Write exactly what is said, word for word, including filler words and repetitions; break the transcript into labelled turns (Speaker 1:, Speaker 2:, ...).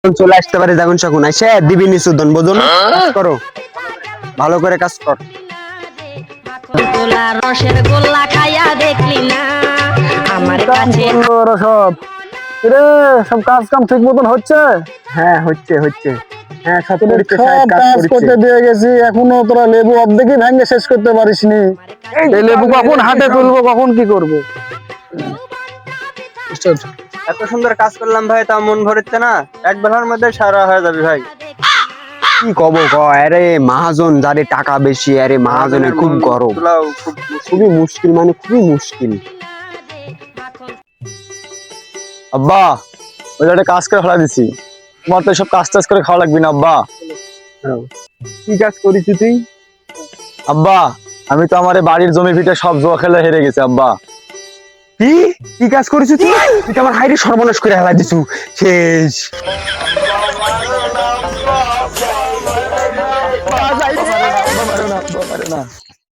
Speaker 1: চলে আসতে পারে যখন সখন এসে দিবি নিচুদন বোঝো না কাজ করো ভালো করে কাজ কর
Speaker 2: গোলা রসের গোল্লা খাইয়া দেখলি না আমার কাছে
Speaker 3: ওরা সব রে সব কাজ কাম ঠিক মতন হচ্ছে।
Speaker 1: হ্যাঁ হচ্ছে হচ্ছে হ্যাঁ সব
Speaker 3: তোদের
Speaker 1: করছে
Speaker 3: সব
Speaker 1: সাহেব কাজ
Speaker 3: কাজ
Speaker 1: করছে
Speaker 3: করতে দিয়ে গেছি, এখনো তোরা লেবু অর্ধেকই ভেঙে শেষ করতে পারিসনি। এই লেবু কখন হাতে তুলবো, কখন কি করবো?
Speaker 1: এত সুন্দর কাজ করলাম ভাই, তা মন ভরেছে না, এক বেলার মধ্যে সারা হয়ে যাবে ভাই। কি কব ক, আরে মহাজন যারে টাকা বেশি, আরে মহাজনের খুব গরম, খুবই মুশকিল, মানে খুবই মুশকিল।
Speaker 3: আব্বা ওই একটা কাজ করে ফেলা দিছি, তোমার তো সব কাজ টাজ করে খাওয়া লাগবে না আব্বা।
Speaker 1: কি কাজ করিস তুই?
Speaker 3: আব্বা আমি তো আমার এই বাড়ির জমি ভিটে সব জুয়া খেলে হেরে গেছি আব্বা।
Speaker 1: কি কি কাজ করিস তুই? তুই তো আমার হাইরে সর্বনাশ করে ফেলা দিছু, শেষ।
Speaker 3: না